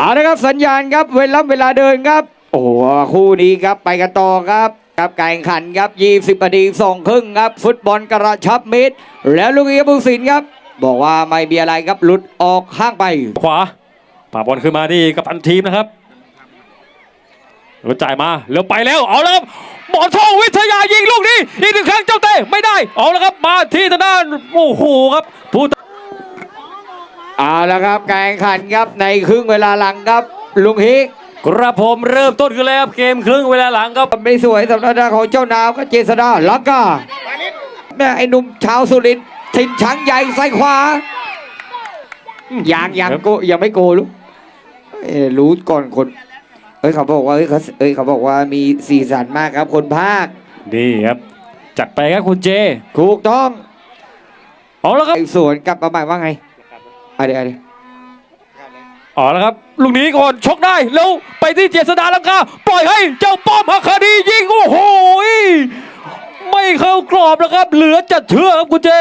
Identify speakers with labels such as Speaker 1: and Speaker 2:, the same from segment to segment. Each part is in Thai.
Speaker 1: เอาละครับสัญญาณครับเวลาเดินครับโอ้คู่นี้ครับไปกันต่อครับการแข่งขันครับ20 นาที2 ครึ่งครับฟุตบอลกระชับมิตรแล้วลูกเอียบุสินครับบอกว่าไม่มีอะไรครับหลุดออกข้างไป
Speaker 2: ขวาป่าบอลขึ้นมานี่กับพันทีมนะครับแล้วจ่ายมาแล้วไปแล้วเอาแล้วครับหมอนทองวิทยายิงลูกนี้อีกหนึ่งครั้งเจ้าเต้ไม่ได้เอาแล้วครับมาที่ทางด้านโอ้โหครับผู้
Speaker 1: เอาละครับการแข่งขันครับในครึ่งเวลาหลังครับลุงฮิก
Speaker 2: กระผมเริ่มต้นขึ้นแล้วครับเกมครึ่งเวลาหลังครับ
Speaker 1: ไม่สวยสำหรับทางของเจ้านาวก็เจษดาลักกาแม่ไอ้หนุ่มชาวสุรินทร์ถิ่นช้างใหญ่ซ้ายขวายังโกยังไม่โกลูกรู้ก่อนคนเขาบอกว่าเขาบอกว่ามีสีสันมากครับคนภาค
Speaker 2: นี่ครับจัดไปครับคุณเจ
Speaker 1: ถูกต้อง
Speaker 2: เอาแล้วครับ
Speaker 1: สวนกลับมาใหม่ว่าไงเดี๋ยว
Speaker 2: เอาแล้วครับลูกนี้ก่อนชกได้แล้วไปที่เจษดาลังกาปล่อยให้เจ้าป้อมฮักคดียิงโอ้โหไม่เข้ากรอบแล้วครับเหลือจะเชื่อครับคุณเจ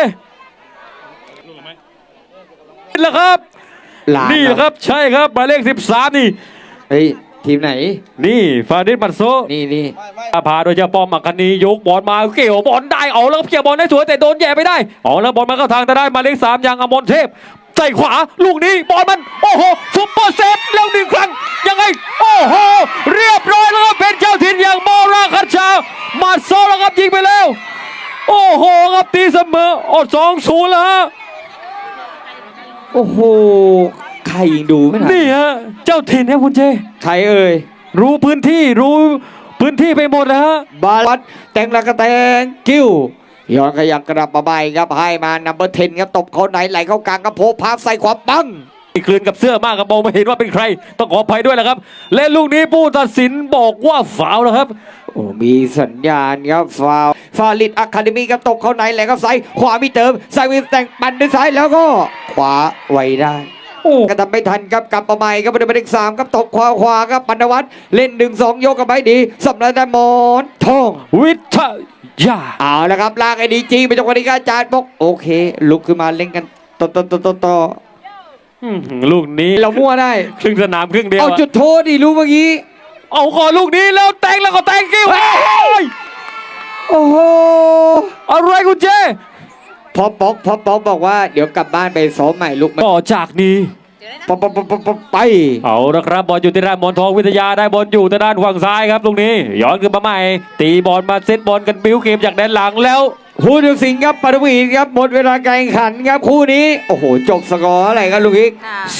Speaker 2: นี่แหละครับนี่แหละครับใช่ครับหมายเลข13นี่
Speaker 1: เฮ้ยทีมไหน
Speaker 2: นี่ฟาดิสมัตโซ
Speaker 1: นี่
Speaker 2: พาโดยเจ้าป้อมฮักคดียกบอลมาเกี่ยวบอลได้เอาแล้วเกี่ยวบอลได้สวยแต่โดนแย่ไม่ได้เอาแล้วบอลมาเข้าทางแต่ได้หมายเลข3ยังอมรเทพใส่ขวาลูกนี้บอลมันโอ้โหซุปเปอร์เซฟแล้วหนึ่งครั้งยังไงโอ้โหเรียบร้อยแล้วครับเป็นเจ้าถิ่นอย่างมอราคัชชามาโซแล้วครับยิงไปแล้วโอ้โหครับตีเสมอ2-0แล้วฮะ
Speaker 1: โอ้โหใครยิงดูไม่ทัน
Speaker 2: นี่ฮะเจ้าถิ่นครับคุณเจ
Speaker 1: ใครเอ่ย
Speaker 2: รู้พื้นที่ไปหมดแล้วฮะ
Speaker 1: บาลัดแต่งละกระแตงกิ้วย้อนขยับกระดับมาใบครับให้มานัมเบอร์10ครับตบเขาไหนไหลเข้ากลางกระโพกพาใส่ขวาปัง
Speaker 2: คลื่นกับเสื้อมากครับมองไม่เห็นว่าเป็นใครต้องขออภัยด้วยนะครับและลูกนี้ผู้ตัดสินบอกว่าฟาวล์แล้วครับ
Speaker 1: โอ้มีสัญญาณครับฟาลิดอะคาเดมี่ครับตบเขาไหนไหลเข้าซ้ายขวามีเติมซ้ายวิสแต่งปั่นด้วยซ้ายแล้วก็ขวาไว้ได้กระทำไม่ทันครับกลับมาใหม่ครับเป็นเลข3ครับตบขวาครับปนวัตรเล่น1-2ยกกับไปดีสำหรับแต่มอนทอง
Speaker 2: วิทยา
Speaker 1: เอาละครับลากไอ้ดีจีไปจังหวะนี้ก็อาจารย์บอกโอเคลุกขึ้นมาเล่นกันต่อ
Speaker 2: ลูกนี้
Speaker 1: เรามั่วได้
Speaker 2: ครึ่งสนามครึ่งเดียว
Speaker 1: เอาจุดโทษดิรู้เมื่อกี้
Speaker 2: เอาขอลูกนี้แล้วแต่งแล้วก็แต่งกิ้ว
Speaker 1: โอ้โห
Speaker 2: อะไรคุณเจ
Speaker 1: พอป๊อกบอกว่าเดี๋ยวกลับบ้านไปซ้อมใหม่ลูก
Speaker 2: ต่อจากนี้
Speaker 1: ไป
Speaker 2: เอาละครับบอลอยู่ที่ด้านมอนทองวิทยาได้บอลอยู่ที่ด้านฝั่งซ้ายครับตรงนี้ย้อนขึ้นมาใหม่ตีบอลมาเซตบอลกันบิ้วเกมจากด้านหลังแล้ว
Speaker 1: ผู้ตัดสินครับปฐวีครับหมดเวลาการแข่งขันครับคู่นี้โอ้โหจบสกอร์อะไรครับลูกอีก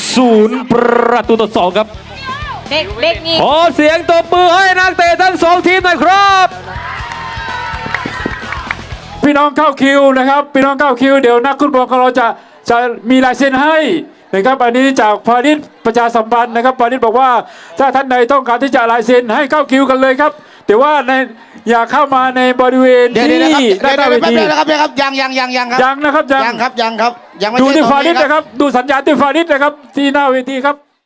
Speaker 2: 0-2ครับ
Speaker 3: เด็กนี่
Speaker 2: ขอเสียงตบมือให้นักเตะทั้ง2ทีมหน่อยครับ
Speaker 4: พี่น้องเข้าคิวนะครับพี่น้องเข้าคิวเดี๋ยวนักฟุตบอลของเราจะมีลายเซ็นให้นะครับอันนี้จากพาณิชย์ประชาสัมพันธ์นะครับพาณิชย์บอกว่าถ้าท่านใดต้องการที่จะลายเซ็นให้เข้าคิวกันเลยครับแต่ว่าอย่าเข้ามาในบริเวณที่ด้านเวที
Speaker 5: นะครับยังครับ
Speaker 4: ยังนะครับ
Speaker 5: ยังครับ
Speaker 4: ดูที่พาณิชย์นะครับดูสัญญาณที่พาณิชย์นะครับที่หน้าเวทีครับ